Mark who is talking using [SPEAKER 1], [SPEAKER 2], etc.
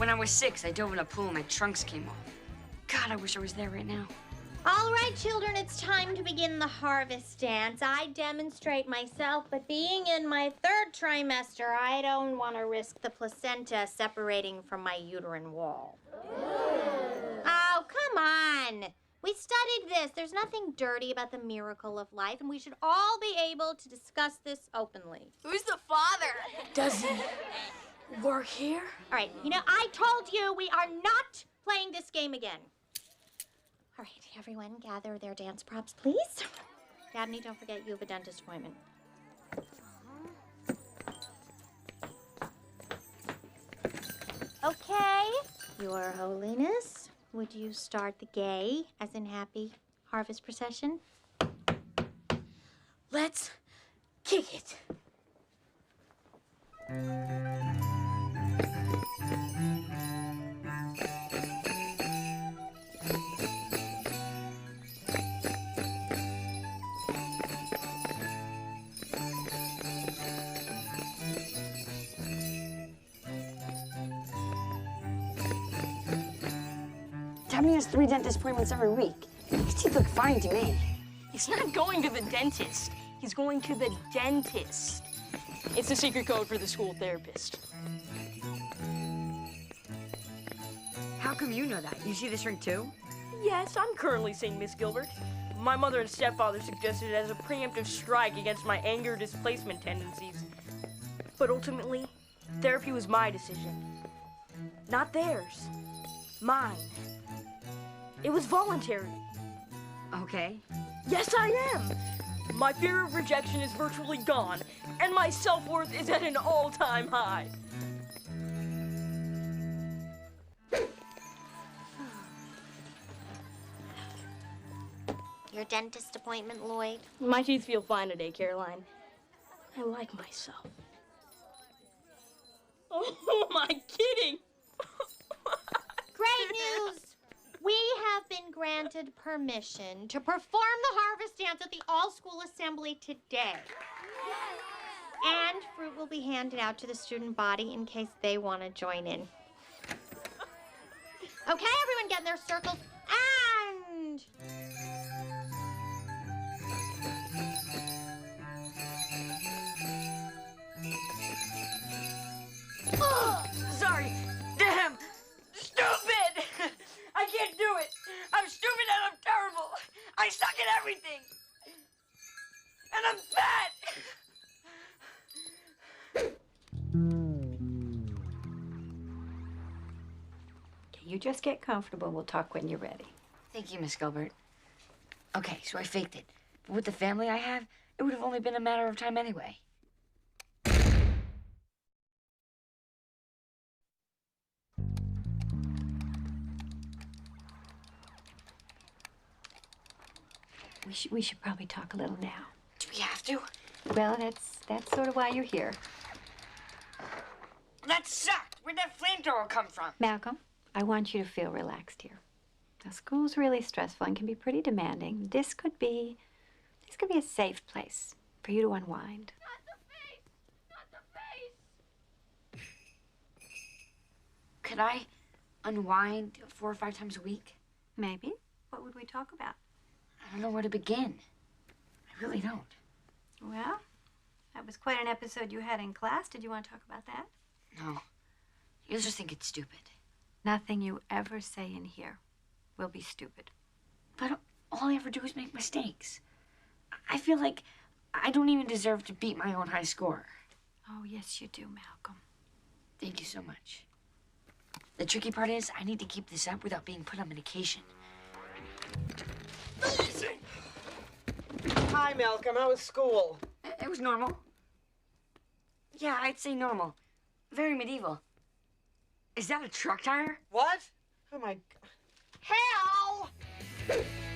[SPEAKER 1] When I was 6, I dove in a pool and my trunks came off. God, I wish I was there right now.
[SPEAKER 2] All right, children, it's time to begin the harvest dance. I demonstrate myself, but being in my 3rd trimester, I don't want to risk the placenta separating from my uterine wall. Oh, come on. We studied this. There's nothing dirty about the miracle of life, and we should all be able to discuss this openly.
[SPEAKER 3] Who's the father?
[SPEAKER 4] Does he work here?
[SPEAKER 2] All right, I told you we are not playing this game again. All right, everyone, gather their dance props, please. Dabney, don't forget you have a dentist appointment. Okay, Your Holiness, would you start the gay, as in happy, harvest procession?
[SPEAKER 4] Let's kick it.
[SPEAKER 1] Dabney has 3 dentist appointments every week. His teeth look fine to me.
[SPEAKER 4] He's not going to the dentist. He's going to the dentist. It's a secret code for the school therapist.
[SPEAKER 1] How come you know that? You see this ring too?
[SPEAKER 4] Yes, I'm currently seeing Miss Gilbert. My mother and stepfather suggested it as a preemptive strike against my anger displacement tendencies. But ultimately, therapy was my decision. Not theirs. Mine. It was voluntary.
[SPEAKER 1] Okay.
[SPEAKER 4] Yes, I am. My fear of rejection is virtually gone, and my self-worth is at an all-time high.
[SPEAKER 2] Your dentist appointment, Lloyd?
[SPEAKER 4] My teeth feel fine today, Caroline. I like myself. Oh, am I kidding?
[SPEAKER 2] Great news! We have been granted permission to perform the harvest dance at the all-school assembly today. And fruit will be handed out to the student body in case they want to join in. Okay, everyone get in their circles and...
[SPEAKER 1] Oh, sorry. Damn. Stupid. I can't do it. I'm stupid and I'm terrible. I suck at everything. And I'm fat.
[SPEAKER 5] Okay, you just get comfortable. We'll talk when you're ready.
[SPEAKER 1] Thank you, Miss Gilbert. Okay, so I faked it. But with the family I have, it would have only been a matter of time anyway.
[SPEAKER 5] We should probably talk a little now.
[SPEAKER 1] Do we have to?
[SPEAKER 5] Well, that's sort of why you're here.
[SPEAKER 1] That sucked. Where'd that flamethrower come from?
[SPEAKER 5] Malcolm, I want you to feel relaxed here. Now, school's really stressful and can be pretty demanding. This could be a safe place for you to unwind.
[SPEAKER 3] Not the face! Not the face!
[SPEAKER 1] Could I unwind 4 or 5 times a week?
[SPEAKER 5] Maybe. What would we talk about?
[SPEAKER 1] I don't know where to begin. I really don't.
[SPEAKER 5] Well, that was quite an episode you had in class. Did you want to talk about that?
[SPEAKER 1] No. You'll just think it's stupid.
[SPEAKER 5] Nothing you ever say in here will be stupid.
[SPEAKER 1] But all I ever do is make mistakes. I feel like I don't even deserve to beat my own high score.
[SPEAKER 5] Oh, yes, you do, Malcolm.
[SPEAKER 1] Thank you so much. The tricky part is I need to keep this up without being put on medication.
[SPEAKER 6] Easy. Hi, Malcolm. How was school?
[SPEAKER 1] It was normal. Yeah, I'd say normal. Very medieval. Is that a truck tire?
[SPEAKER 6] What? Oh, my... Hal!